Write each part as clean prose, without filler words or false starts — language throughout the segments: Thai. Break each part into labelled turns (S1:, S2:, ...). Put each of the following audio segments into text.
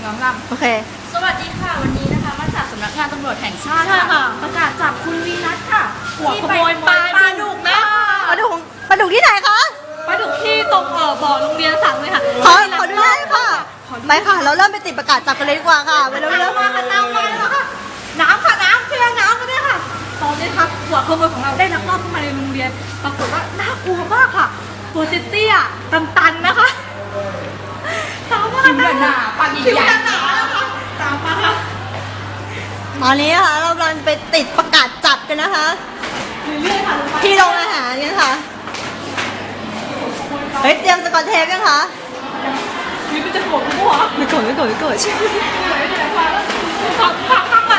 S1: น้องลำ
S2: โอเค
S1: สวัสดีค่ะวันนี้นะคะมาจากสำนักงานตำรวจแห่งชาติ
S2: ใช่ค่ะ
S1: ประกาศจับคุณวีนัทค่ะ
S2: หัว
S1: ที่
S2: ข
S1: ไป
S2: โมยปลาดุกนะ
S1: ปลาดุก
S2: ปลาดุกที่ไหนคะ
S3: ไปถึงที่ตรงบ่อโรงเรียนสังเลยค่ะ
S2: ขอดูได้ค่ะไปค่ะ เราเริ่มไปติดประกาศจับกันเลยดีกว่าค่ะไปเร็ว
S3: มาค่ะน้ำมาแล้วค่ะน้ำค่ะน้ำเชื่อน้ำกันด้วยค่ะตอนนี้ครับหัวขโมยของเราได้ลักลอบเข้ามาในโรงเรียนปรากฏว่าน่ากลัวมากค่ะตัวเตี้ยๆตันๆนะคะตามมา
S1: คิ้วหนาปาก
S3: คิ้ว
S1: ใหญ่
S3: หนาๆนะคะตามมาค่ะ
S2: ๆตอนนี้นะคะเรากำลังไปติดประกาศจับกันนะคะ
S3: เรื่อยๆค่ะลงไป
S2: ที่โรงอาหารกันค่ะเฮ้ยเตรียมสกอตเทปยังคะ
S3: นี่มันจะโกรธกูเหรอ
S2: ไม่โกรธไม่โกรธไม่โกรธ
S3: พักก่อน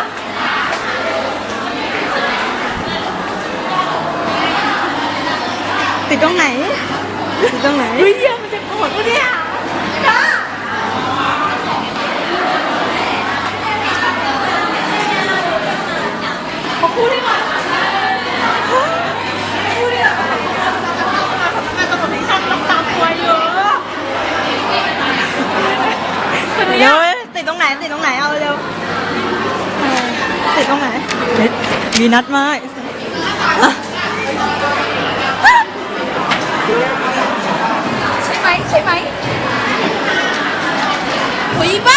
S2: ติดตรงไหนติดตรงไหน
S3: เฮ้ยเดี๋ยวมันจะโกรธกูเนี่ยจ้าเขาพูดได้ไหมพูดได้ไหมทำงานตำรวจแห่งชาติต้องตามตัวเยอะ
S2: เร็วติดตรงไหนติดตรงไหนเอาเร็วติดตรงไหนเฮ้ยมีนัดมาอ่ะ
S1: ใช่ไหมใช่ไหมหุยบ้า